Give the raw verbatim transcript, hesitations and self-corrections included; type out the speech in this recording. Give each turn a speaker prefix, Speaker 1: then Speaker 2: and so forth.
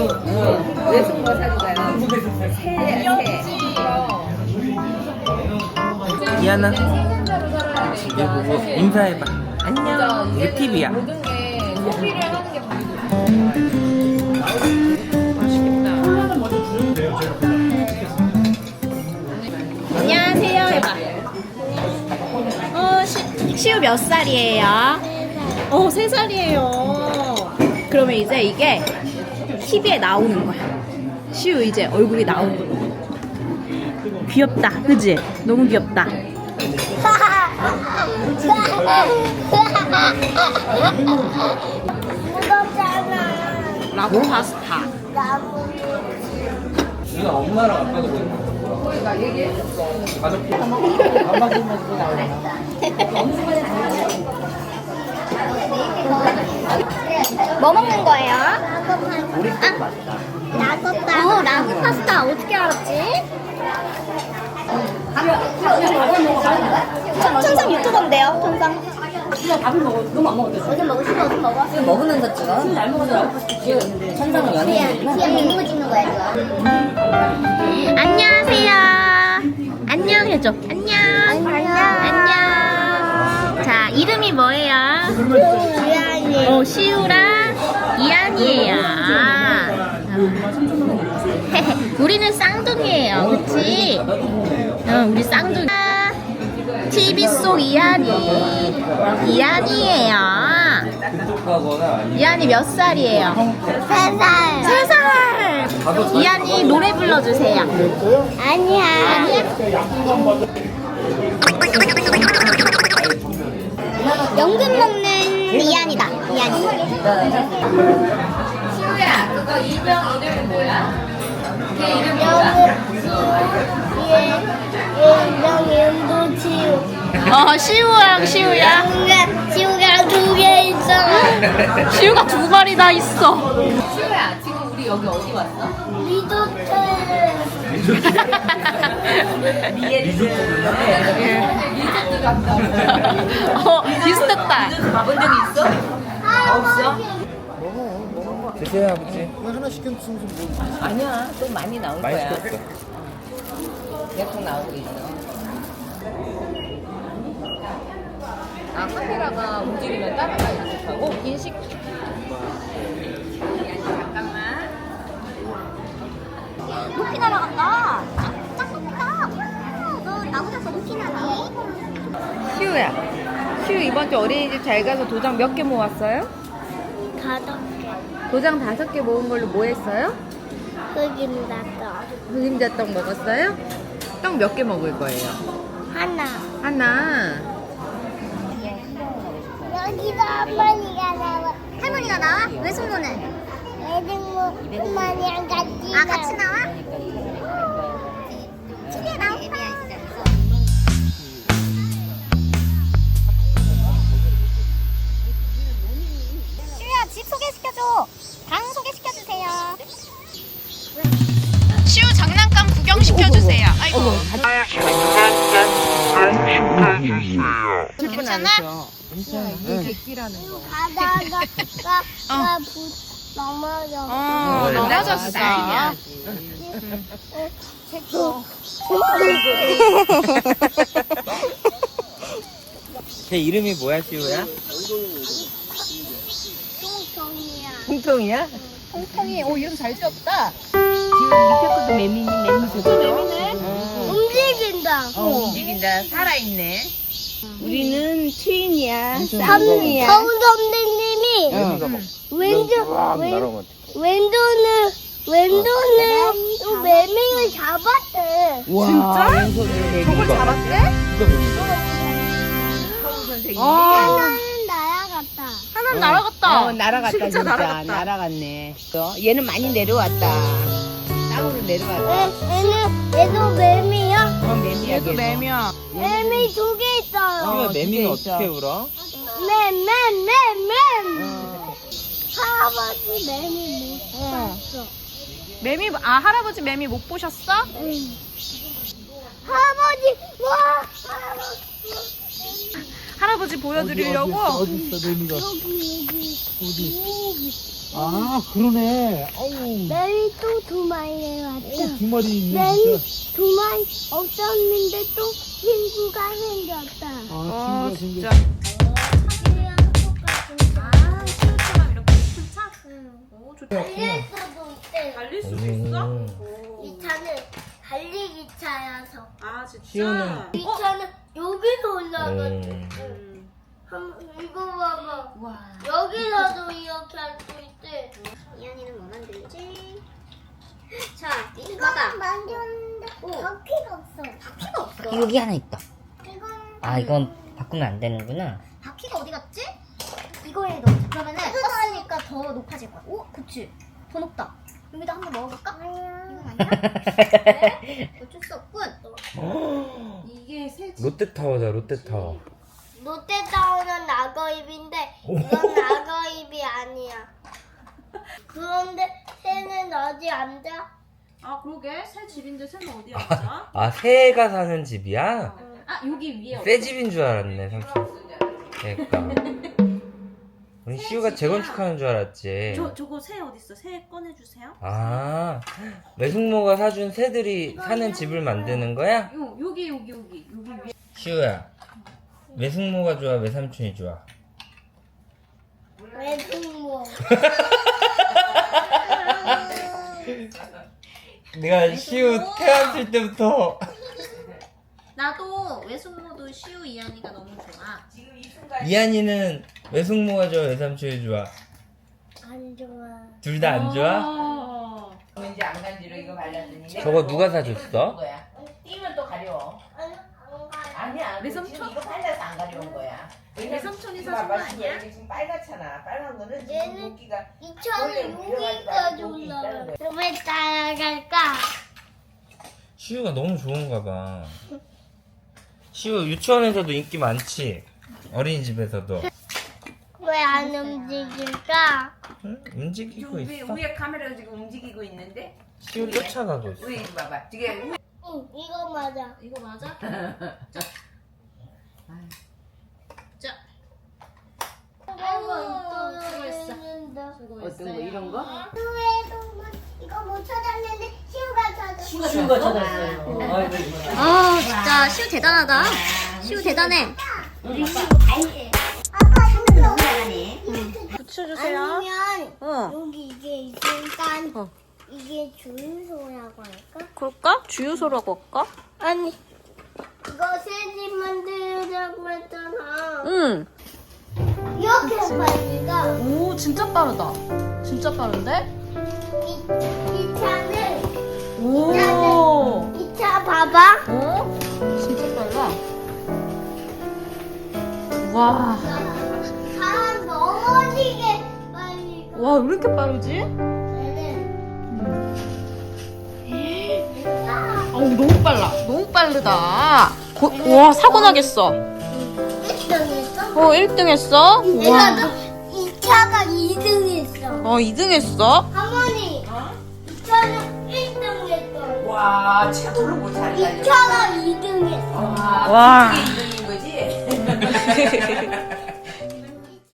Speaker 1: 응. 외숙모 사주가요. 새, 새.
Speaker 2: 이하나 이거 보고 인사해봐. 안녕. 이게 팁이야.
Speaker 1: 모든 게 소비를 하는 게 맛있겠다.
Speaker 3: 안녕하세요 해봐. 어, 시, 시우 몇 살이에요? 어, 세 살이에요. 그러면 이제 이게 티비에 나오는 거야. 시우 이제 얼굴이 나오는 거야. 귀엽다, 그지? 너무 귀엽다.
Speaker 4: 무겁잖아.
Speaker 3: 라고 파스타.
Speaker 2: 이거 엄마랑 아빠도 보는
Speaker 1: 그러니까 얘기해.
Speaker 2: 가족
Speaker 4: 뭐 먹는 거예요? 라고 파스타. 라고 파스타. 어, 라고 파스타 어떻게 알았지? 천상 유튜버인데요, 천상.
Speaker 5: 밥을 먹어. 너무 안 먹었대.
Speaker 4: 어제 먹고 싶어, 어제 먹어.
Speaker 5: 지금 먹으면서 찍어. 지금 잘 먹어서 지금 천상은 연예인이구나.
Speaker 4: 그냥 먹는 거 찍는 거야, 지금.
Speaker 3: 안녕하세요. 안녕 해줘. 안녕.
Speaker 4: 안녕.
Speaker 3: 안녕. 자, 이름이 뭐예요?
Speaker 4: 미안해.
Speaker 3: 어, 시우랑 이안이에요. 아. 우리는 쌍둥이에요, 그치? 어, 우리 쌍둥이. 티비 속 이안이. 이안이에요. 이안이 몇 살이에요?
Speaker 4: 세 살.
Speaker 3: 세 살. 이안이 노래 불러주세요.
Speaker 4: 아니야. 연금 먹는 이안이다. 이안이.
Speaker 1: 시우야, 그거 일명 이름이 뭐야? 걔 이름 뭐야?
Speaker 4: 연금 연도 치우.
Speaker 3: 어, 시우랑 시우야.
Speaker 4: 연금 치우가 두 개 있어.
Speaker 3: 시우가 두 마리 다 있어.
Speaker 1: 시우야, 지금 우리 여기 어디 왔어?
Speaker 4: 리조트.
Speaker 1: 리조트 갔다.
Speaker 3: 어, 비슷했다.
Speaker 1: 가본 적 있어? 없어?
Speaker 2: 드세요 아버지.
Speaker 1: 아니야, 또 많이 나올
Speaker 2: 많이
Speaker 1: 거야.
Speaker 2: 시켰어.
Speaker 1: 계속 나오고 있어. 아, 카메라가 움직이면 따라가 이렇게 하고 인식. 잠깐만.
Speaker 4: 높이 날아간다. 짱 높다. 우, 너 나무에서 높이 나네.
Speaker 1: 시우야, 시우 이번 주 어린이집 잘 가서 도장 몇 개 모았어요?
Speaker 4: 다섯 개.
Speaker 1: 도장 다섯 개 모은 걸로 뭐 했어요?
Speaker 4: 흑임 났어.
Speaker 1: 흑임자 떡 먹었어요? 떡 몇 개 먹을 거예요?
Speaker 4: 하나.
Speaker 1: 하나.
Speaker 4: 여기서 할머니가 나와. 할머니가 나와? 외숙모는? 외숙모 할머니랑 같이 아 같이 나와? 집에 나오파. 시우야 집 소개시켜줘. 방 소개시켜주세요.
Speaker 3: 시우 장난감 구경시켜주세요. 아이고. 괜찮아?
Speaker 4: 가다가 가 넘어져.
Speaker 3: 어, 넘어졌어.
Speaker 2: 걔 이름이 뭐야 시우야?
Speaker 4: 똥똥이야.
Speaker 1: 통통이야?
Speaker 3: 통통이, 오, 이름 잘 지었다.
Speaker 1: 지금 밑에 것도 매미니 매미 저거.
Speaker 3: 매미네.
Speaker 4: 움직인다.
Speaker 1: 어, 움직인다. 살아있네.
Speaker 5: 우리는 트윈이야.
Speaker 4: 선,
Speaker 5: 쌍둥이야.
Speaker 4: 성 선생님이 왼쪽 왼 왼손을 왼손을 또 매미를 잡았대.
Speaker 5: 진짜?
Speaker 3: 저걸 잡았대?
Speaker 1: 선생님이.
Speaker 4: 하나는 날아갔다.
Speaker 3: 하나는 날아갔다.
Speaker 5: 어, 날아갔다
Speaker 3: 진짜
Speaker 5: 진짜.
Speaker 3: 날아갔다.
Speaker 5: 날아갔네. 또 얘는 많이 내려왔다. 땅으로 내려왔다.
Speaker 4: 얘, 얘는 얘도 매미야.
Speaker 5: 어, 매미야.
Speaker 3: 얘도 매미야.
Speaker 4: 매미 두 개 있어요.
Speaker 2: 시우야 매미는
Speaker 5: 진짜
Speaker 2: 어떻게
Speaker 5: 있어.
Speaker 2: 울어?
Speaker 4: 맨맨맨맨. 할아버지 매미 못 봤어.
Speaker 3: 매미, 아, 할아버지 매미 못 보셨어?
Speaker 4: 응. 할아버지 와 할아버지.
Speaker 3: 할아버지 보여드리려고.
Speaker 6: 어디 있어, 레미가? 어디? 아, 그러네. 어우,
Speaker 4: 매일 또 두 마리를 왔다.
Speaker 6: 어, 두 마리 있네,
Speaker 4: 매일
Speaker 6: 진짜.
Speaker 4: 두 마리 없었는데 또 친구가 생겼다.
Speaker 6: 아, 친구가
Speaker 3: 진짜.
Speaker 6: 생겼
Speaker 3: 아, 시우처럼 이렇게 큰 차? 오, 좋다.
Speaker 4: 달릴 수도 있대.
Speaker 3: 달릴 수도 있어?
Speaker 4: 이 차는 달리기 차여서.
Speaker 3: 아, 진짜?
Speaker 2: 시우는-
Speaker 4: 이 차는 여기서 올라가지.
Speaker 2: 음.
Speaker 4: 한번 이거 봐봐.
Speaker 3: 와.
Speaker 4: 여기서도 이렇게 할 수 있대. 이현이는 뭐 만들지? 자, 이거 봐봐. 만졌는데 바퀴가 없어. 바퀴가 없어.
Speaker 5: 여기 하나 있다.
Speaker 4: 이건
Speaker 5: 아, 이건 바꾸면 안 되는구나.
Speaker 4: 바퀴가 어디 갔지? 이거에 넣자. 그러면은 떴으니까 더 높아질 거야. 오, 그치. 더 높다. 여기다 한번 넣어볼까? 이건 아니야? 네, 어쩔 수 없군.
Speaker 3: 이게 새
Speaker 2: 롯데타워다, 롯데타워.
Speaker 4: 롯데타워는 낙어입인데 이건 낙어입이 아니야. 그런데 새는 어디 앉아?
Speaker 3: 아, 그러게. 새 집인데 새는 어디 앉아?
Speaker 2: 아, 새가 사는 집이야?
Speaker 3: 아, 여기 위에.
Speaker 2: 새 집인 줄 알았네, 삼촌. 그러니까. 우리 시우가 재건축하는 줄 알았지.
Speaker 3: 저, 저거 새 어딨어? 새 꺼내주세요.
Speaker 2: 아, 외숙모가 사준 새들이 사는 집을 만드는 거야?
Speaker 3: 요, 여기, 여기, 여기. 여기 위에.
Speaker 2: 시우야, 외숙모가 좋아, 외삼촌이 좋아?
Speaker 4: 외숙모.
Speaker 2: 내가 시우 태어났을 때부터
Speaker 3: 나도 외숙모도 시우 이한이가 너무 좋아.
Speaker 2: 이한이는 외숙모가 좋아, 외삼촌이 좋아?
Speaker 4: 안 좋아.
Speaker 2: 둘 다 안 좋아?
Speaker 3: 어.
Speaker 5: 왠지 안 간지러 이거 발랐더니.
Speaker 2: 저거 누가 사줬어?
Speaker 5: 거야. 띄면 또 가려.
Speaker 4: 안, 안 가.
Speaker 5: 아니야.
Speaker 3: 내
Speaker 5: 지금
Speaker 3: 삼촌?
Speaker 5: 이거 발라서 안 가려운 거야.
Speaker 3: 내 삼촌이
Speaker 5: 이거
Speaker 3: 사준 거
Speaker 5: 봐봐,
Speaker 3: 아니야?
Speaker 5: 여기 지금 빨갛잖아. 빨간 거는 지금
Speaker 4: 얘는
Speaker 5: 물기가
Speaker 4: 이 차는 여기까지 올라가. 왜 따라갈까?
Speaker 2: 시우가 너무 좋은가 봐. 시우 유치원에서도 인기 많지? 어린이집에서도.
Speaker 4: 왜 안 움직일까?
Speaker 2: 응? 움직이고
Speaker 5: 위에,
Speaker 2: 있어.
Speaker 5: 위에 카메라가 지금 움직이고 있는데.
Speaker 2: 시우 쫓아가고 있어.
Speaker 5: 위에 이거 봐봐. 지금
Speaker 4: 응, 이거 맞아.
Speaker 3: 이거 맞아? 자.
Speaker 4: 아이고,
Speaker 3: 수고했어.
Speaker 5: 어떤 거 이런 거?
Speaker 4: 이거 못 찾았는데 시우가 찾았어.
Speaker 5: 친구가 찾았어요.
Speaker 4: 아 진짜 시우 대단하다. 시우 대단해. 아빠 이거 너무 잘하네.
Speaker 3: 붙여주세요.
Speaker 4: 아니면
Speaker 3: 어.
Speaker 4: 여기 이게 있으니까 이게 주유소라고 할까?
Speaker 3: 그럴까? 주유소라고 할까?
Speaker 4: 아니 이거 새집 만들자고 했잖아.
Speaker 3: 응.
Speaker 4: 이렇게 빨리가
Speaker 3: 오, 진짜 빠르다. 진짜 빠른데?
Speaker 4: 이, 이 차는
Speaker 3: 오.
Speaker 4: 이 차 봐봐.
Speaker 3: 어? 진짜 빨라. 와.
Speaker 4: 사람 넘어지게 빨리 가.
Speaker 3: 와, 왜 이렇게 빠르지?
Speaker 4: 얘는
Speaker 3: 어우, 너무 빨라. 너무 빠르다. 고, 와, 사고 나겠어.
Speaker 4: 일 등 했어?
Speaker 3: 어, 일 등 했어? 와.
Speaker 4: 내가 이 차가 이 등 했어.
Speaker 3: 어, 이 등 했어?
Speaker 4: 할머니, 이 차는 일 등 했어.
Speaker 5: 와, 최고로 못잘
Speaker 4: 이
Speaker 5: 달려.
Speaker 4: 차가 이 등 했어.
Speaker 5: 와,
Speaker 3: 와.
Speaker 5: 이게 이름인 거지?